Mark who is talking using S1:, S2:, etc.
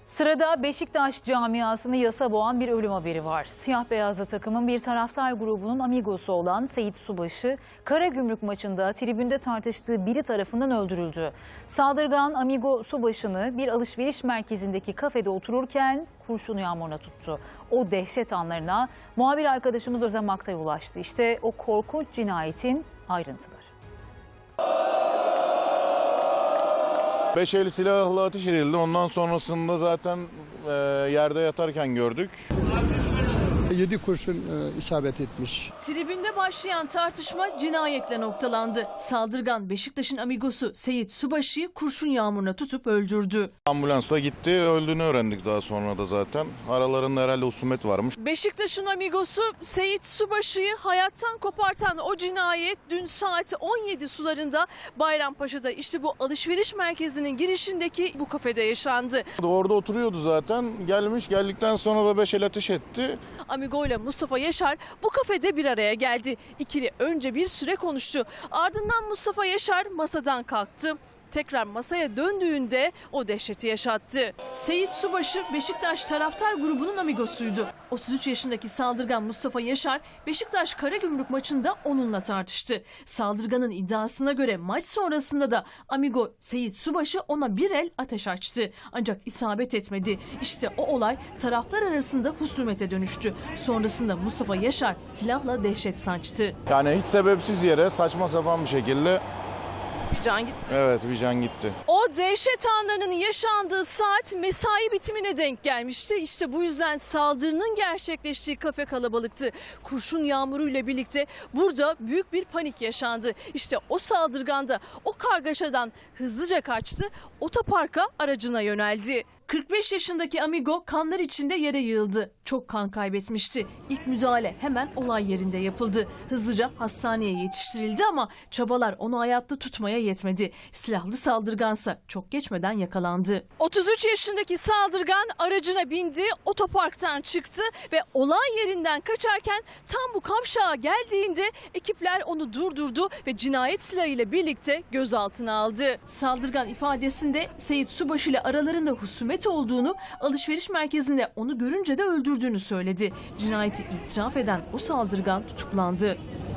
S1: Sırada Beşiktaş camiasını yasa boğan bir ölüm haberi var. Siyah beyazlı takımın bir taraftar grubunun amigosu olan Seyit Subaşı, Karagümrük maçında tribünde tartıştığı biri tarafından öldürüldü. Saldırgan amigo Subaşı'nı bir alışveriş merkezindeki kafede otururken kurşun yağmuruna tuttu. O dehşet anlarına muhabir arkadaşımız Özlem Aktay ulaştı. İşte o korkunç cinayetin ayrıntıları.
S2: 5 el silahla ateş edildi. Ondan sonrasında zaten yerde yatarken gördük.
S3: 7 kurşun isabet etmiş.
S4: Tribünde başlayan tartışma cinayetle noktalandı. Saldırgan Beşiktaş'ın amigosu Seyit Subaşı'yı kurşun yağmuruna tutup öldürdü.
S2: Ambulansla gitti, öldüğünü öğrendik daha sonra da zaten. Aralarında herhalde husumet varmış.
S4: Beşiktaş'ın amigosu Seyit Subaşı'yı hayattan kopartan o cinayet dün saat 17 sularında Bayrampaşa'da işte bu alışveriş merkezinin girişindeki bu kafede yaşandı.
S2: Orada oturuyordu zaten. Geldikten sonra da 5 el ateş etti.
S4: Amigo ile Mustafa Yaşar bu kafede bir araya geldi. İkili önce bir süre konuştu. Ardından Mustafa Yaşar masadan kalktı. Tekrar masaya döndüğünde o dehşeti yaşattı. Seyit Subaşı Beşiktaş taraftar grubunun amigosuydu. 33 yaşındaki saldırgan Mustafa Yaşar Beşiktaş Karagümrük maçında onunla tartıştı. Saldırganın iddiasına göre maç sonrasında da amigo Seyit Subaşı ona bir el ateş açtı. Ancak isabet etmedi. İşte o olay taraflar arasında husumete dönüştü. Sonrasında Mustafa Yaşar silahla dehşet saçtı.
S2: Yani hiç sebepsiz yere saçma sapan bir şekilde.
S4: Bir can gitti.
S2: Evet, bir can gitti.
S4: O dehşet anlarının yaşandığı saat mesai bitimine denk gelmişti. İşte bu yüzden saldırının gerçekleştiği kafe kalabalıktı. Kurşun yağmuruyla birlikte burada büyük bir panik yaşandı. İşte o saldırgan da o kargaşadan hızlıca kaçtı, otoparka aracına yöneldi. 45 yaşındaki amigo kanlar içinde yere yığıldı. Çok kan kaybetmişti. İlk müdahale hemen olay yerinde yapıldı. Hızlıca hastaneye yetiştirildi ama çabalar onu hayatta tutmaya yetmedi. Silahlı saldırgansa çok geçmeden yakalandı. 33 yaşındaki saldırgan aracına bindi, otoparktan çıktı ve olay yerinden kaçarken tam bu kavşağa geldiğinde ekipler onu durdurdu ve cinayet silahıyla birlikte gözaltına aldı. Saldırgan ifadesinde Seyit Subaşı ile aralarında husumet olduğunu, alışveriş merkezinde onu görünce de öldürdüğünü söyledi. Cinayeti itiraf eden o saldırgan tutuklandı.